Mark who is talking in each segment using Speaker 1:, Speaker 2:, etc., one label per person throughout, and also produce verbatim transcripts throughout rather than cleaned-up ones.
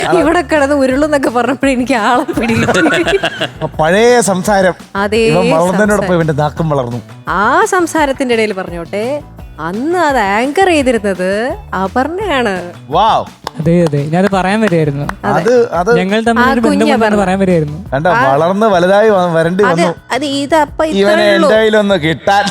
Speaker 1: ഇവിടെ കിടന്ന് ഉരുളെന്നൊക്കെ പറഞ്ഞപ്പോഴേ എനിക്ക് ആളെ പിടികിട്ടി.
Speaker 2: പഴയ സംസാരം
Speaker 1: അതേ
Speaker 2: വളർന്നതിനോടൊപ്പം ഇവന്റെ നാക്കം വളർന്നു.
Speaker 1: ആ സംസാരത്തിന്റെ ഇടയിൽ പറഞ്ഞോട്ടെ, അന്ന് അത് ആങ്കർ ചെയ്തിരുന്നത് അപർണയാണ്.
Speaker 2: വാവ്.
Speaker 3: അതെ അതെ ഞാനത് പറയാൻ വരുമായിരുന്നു.
Speaker 2: അത് അത്
Speaker 3: ഞങ്ങൾ തമ്മിൽ ബന്ധം പറയാൻ വരുമായിരുന്നു.
Speaker 2: കണ്ട വളർന്ന് വലുതായി വരേണ്ടി വന്നു.
Speaker 1: അത് ഇതപ്പ
Speaker 2: ഇവനെ എന്തായാലും കിട്ടാൻ.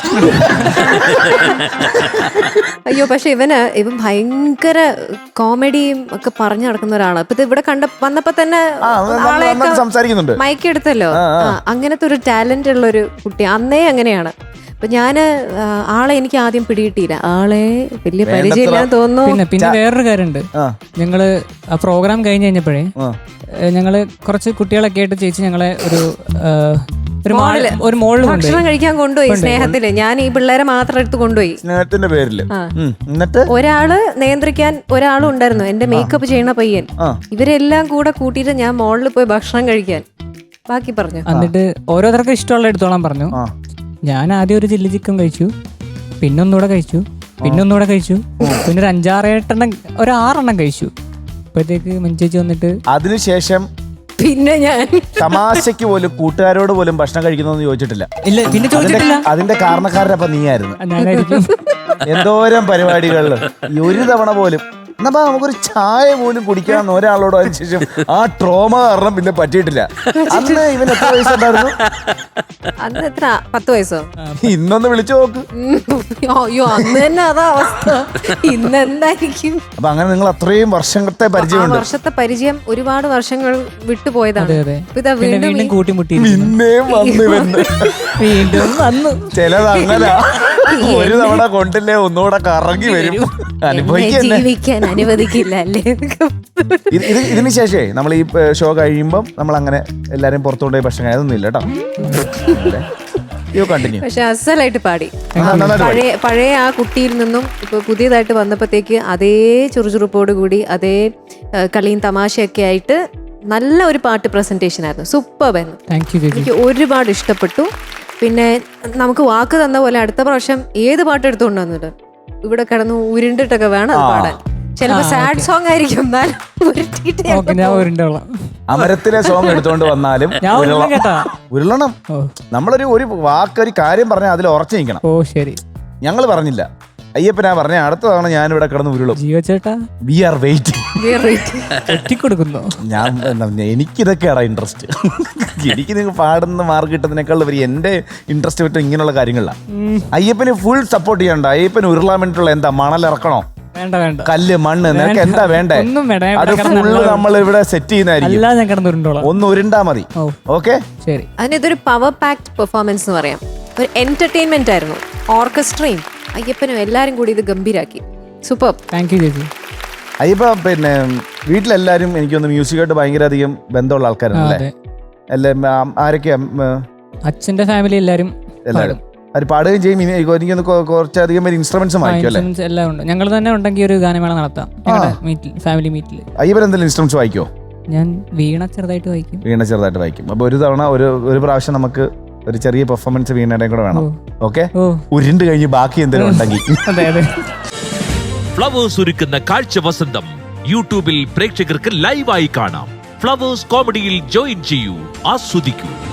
Speaker 1: അയ്യോ, പക്ഷെ ഇവന് ഇവൻ ഭയങ്കര കോമഡിയും ഒക്കെ പറഞ്ഞു നടക്കുന്ന ഒരാളാണ്. ഇപ്പൊ ഇവിടെ കണ്ട വന്നപ്പോ തന്നെ
Speaker 2: സംസാരിക്കുന്നുണ്ട്,
Speaker 1: മൈക്ക് എടുത്തല്ലോ. അങ്ങനത്തെ ഒരു ടാലന്റ് ഉള്ള ഒരു കുട്ടി അന്നേ അങ്ങനെയാണ്. അപ്പൊ ഞാന് ആളെ എനിക്ക് ആദ്യം പിടികിട്ടിയില്ല, ആളെ വലിയ പരിചയമില്ലാന്ന് തോന്നുന്നു.
Speaker 3: പിന്നെ പിന്നെ വേറൊരു കാര്യമുണ്ട്, ഞങ്ങള് ആ പ്രോഗ്രാം കഴിഞ്ഞ് കഴിഞ്ഞപ്പോഴേ ഞങ്ങള് കുറച്ച് കുട്ടികളൊക്കെ ആയിട്ട് ചേച്ചി ഞങ്ങളെ ഒരു ഒരു ഒരു മോളിൽ
Speaker 1: ഭക്ഷണം കഴിക്കാൻ കൊണ്ടുപോയി സ്നേഹത്തില്. ഞാൻ ഈ പിള്ളേരെ മാത്രം എടുത്ത് കൊണ്ടുപോയി
Speaker 2: സ്നേഹത്തിന്റെ പേരില്. എന്നിട്ട്
Speaker 1: ഒരാള് നിയന്ത്രിക്കാൻ ഒരാളും ഉണ്ടായിരുന്നു, എന്റെ മേക്കപ്പ് ചെയ്യണ പയ്യൻ. ഇവരെല്ലാം കൂടെ കൂട്ടിയിട്ട് ഞാൻ മോളിൽ പോയി ഭക്ഷണം കഴിക്കാൻ. ബാക്കി പറഞ്ഞു.
Speaker 3: എന്നിട്ട് ഓരോരുത്തർക്കും ഇഷ്ടമുള്ള എടുത്തോളാൻ പറഞ്ഞു. ഞാൻ ആദ്യം ഒരു ചില്ലി ചിക്കൻ കഴിച്ചു, പിന്നൊന്നുകൂടെ കഴിച്ചു, പിന്നൊന്നുകൂടെ കഴിച്ചു, പിന്നെ ഒരു അഞ്ചാറേട്ടെണ്ണം ഒരു ആറെണ്ണം കഴിച്ചു. അപ്പോഴത്തേക്ക് മഞ്ചേച്ചി വന്നിട്ട്
Speaker 2: അതിനുശേഷം
Speaker 1: പിന്നെ ഞാൻ
Speaker 2: തമാശക്ക് പോലും കൂട്ടുകാരോട് പോലും ഭക്ഷണം കഴിക്കുന്നൊന്നും ചോദിച്ചിട്ടില്ല.
Speaker 3: ഇല്ല, പിന്നെ ചോദിച്ചിട്ടില്ല.
Speaker 2: അതിന്റെ കാരണക്കാരനപ്പൊ നീയായിരുന്നു.
Speaker 3: ഞാനായിരിക്കും.
Speaker 2: എന്തോരം പരിപാടികളിൽ ഒരു തവണ പോലും എന്നാ നമുക്കൊരു ചായ പോലും കുടിക്കാന്ന് ഒരാളോട് അതിനുശേഷം ആ ട്രോമ കാരണം പിന്നെ പറ്റിയിട്ടില്ല. അന്ന് ഇവൻ എത്ര വയസ്സുണ്ടായിരുന്നു?
Speaker 1: അന്ന് എത്ര? പത്ത് വയസ്സോ?
Speaker 2: ഇന്നൊന്ന് വിളിച്ചു നോക്ക്.
Speaker 1: അയ്യോ, അന്ന് തന്നെ അതാ അവസ്ഥ. ഇന്ന് എന്തായിരിക്കും?
Speaker 2: അപ്പൊ അങ്ങനെ നിങ്ങൾ അത്രയും വർഷത്തെ പരിചയമുണ്ട്.
Speaker 1: വർഷത്തെ പരിചയം ഒരുപാട് വർഷങ്ങൾ വിട്ടുപോയതാണ്.
Speaker 3: വീണ്ടും കൂട്ടിമുട്ടി
Speaker 2: പിന്നെയും വന്നു വന്ന്
Speaker 3: വീണ്ടും വന്നു.
Speaker 2: ചിലത് അങ്ങനെ ഒരു തവണ കൊണ്ടില്ലേ ഒന്നുകൂടെ കറങ്ങി വരും.
Speaker 1: ജീവിക്കാൻ അനുവദിക്കില്ല അല്ലേ?
Speaker 2: ഇതിന് ശേഷേ നമ്മൾ ഈ ഷോ കഴിയുമ്പം നമ്മൾ അങ്ങനെ എല്ലാരും പുറത്തുകൊണ്ടുപോയി ഭക്ഷണം അതൊന്നും ഇല്ല കേട്ടോ.
Speaker 1: പക്ഷെ അസലായിട്ട് പാടി. പഴയ പഴയ ആ കുട്ടിയിൽ നിന്നും ഇപ്പൊ പുതിയതായിട്ട് വന്നപ്പോഴത്തേക്ക് അതേ ചുറുചുറുപ്പോട് കൂടി അതേ കളിയും തമാശയൊക്കെ ആയിട്ട് നല്ല ഒരു പാട്ട് പ്രസന്റേഷൻ ആയിരുന്നു. സൂപ്പർ ആയിരുന്നു. എനിക്ക് ഒരുപാട് ഇഷ്ടപ്പെട്ടു. പിന്നെ നമുക്ക് വാക്ക് തന്ന പോലെ അടുത്ത പ്രാവശ്യം ഏത് പാട്ട് എടുത്തുകൊണ്ട് വന്നിട്ട് ഇവിടെ കിടന്ന് ഉരുണ്ടിട്ടൊക്കെ വേണം അത് പാടാൻ. ചിലപ്പോ സാഡ് സോങ് ആയിരിക്കും,
Speaker 2: അമരത്തിലെ സോങ് എടുത്തോണ്ട് വന്നാലും ഉരുളണം. നമ്മളൊരു ഒരു വാക്കൊരു കാര്യം പറഞ്ഞാൽ അതിൽ ഉറച്ചു നിൽക്കണം.
Speaker 3: ഓ ശരി.
Speaker 2: ഞങ്ങൾ പറഞ്ഞില്ല, അയ്യപ്പനാ പറഞ്ഞ അടുത്ത തവണ ഞാൻ ഇവിടെ കിടന്ന് ഉരുളും. V are waiting. ഞാൻ എനിക്കിതൊക്കെയാണ് ഇൻട്രസ്റ്റ്. എനിക്ക് നിങ്ങൾ പാടുന്ന മാർക്ക് കിട്ടുന്നതിനേക്കാൾ വരി എന്റെ ഇൻട്രസ്റ്റ് പറ്റും ഇങ്ങനെയുള്ള കാര്യങ്ങളിലാണ്. അയ്യപ്പന് ഫുൾ സപ്പോർട്ട് ചെയ്യണ്ട. അയ്യപ്പന് ഉരുളാൻ വേണ്ടിയിട്ടുള്ള എന്താ മണലിറക്കണോ, കല്ല്, മണ്ണ്, നിനക്ക് എന്താ വേണ്ടേ അത് ഫുള്ള് നമ്മൾ ഇവിടെ സെറ്റ് ചെയ്യുന്നതായിരിക്കും. ഒന്ന് ഉരുണ്ടാ മതി. ഓക്കെ,
Speaker 3: ശരി.
Speaker 1: അതിനിതൊരു പവർ പാക്ഡ് പെർഫോമൻസ് എന്ന് പറയാം. ഒരു എന്റർടൈൻമെന്റ് ആയിരുന്നു. ഓർക്കസ്ട്രയും അയ്യപ്പനും എല്ലാരും കൂടി ഇത് ഗംഭീരാക്കി. സൂപ്പർ.
Speaker 3: താങ്ക് യു ചേച്ചി.
Speaker 2: അയ്യപ്പ പിന്നെ വീട്ടിലെല്ലാരും എനിക്കൊന്ന് മ്യൂസിക്കായിട്ട് ഭയങ്കര അധികം ബന്ധമുള്ള ആൾക്കാരാണല്ലേ? ആരൊക്കെയാ?
Speaker 3: അച്ഛന്റെ ഫാമിലി എല്ലാരും
Speaker 2: എല്ലാരും അത് പാടുകയും ചെയ്യും. എനിക്കൊന്ന് കുറച്ചധികം പേര് ഇൻസ്ട്രുമെന്റ്സും വായിക്കും അല്ലേ?
Speaker 3: എല്ലാം ഉണ്ട്. ഞങ്ങൾ തന്നെ ഉണ്ടെങ്കിൽ ഒരു ഗാനമേള നടത്താം ഫാമിലി മീറ്റിൽ.
Speaker 2: അയ്യപ്പൻ എന്തെങ്കിലും ഇൻസ്ട്രുമെന്റ്സ് വായിക്കോ?
Speaker 3: ഞാൻ വീണ ചെറുതായിട്ട് വായിക്കും.
Speaker 2: വീണ ചെറുതായിട്ട് വായിക്കും. അപ്പൊ ഒരു തവണ ഒരു ഒരു പ്രാവശ്യം നമുക്ക് ഒരു ചെറിയ പെർഫോമൻസ് വീണയുടെ കൂടെ വേണം. ഓക്കെ, ഉരുണ്ട് കഴിഞ്ഞ് ബാക്കി എന്തെങ്കിലും ഉണ്ടെങ്കിൽ.
Speaker 3: അതെ അതെ.
Speaker 4: ഫ്ലവേഴ്സ് ഒരുക്കുന്ന കാഴ്ച വസന്തം യൂട്യൂബിൽ പ്രേക്ഷകർക്ക് ലൈവായി കാണാം. ഫ്ലവേഴ്സ് കോമഡിയിൽ ജോയിൻ ചെയ്യൂ, ആസ്വദിക്കൂ.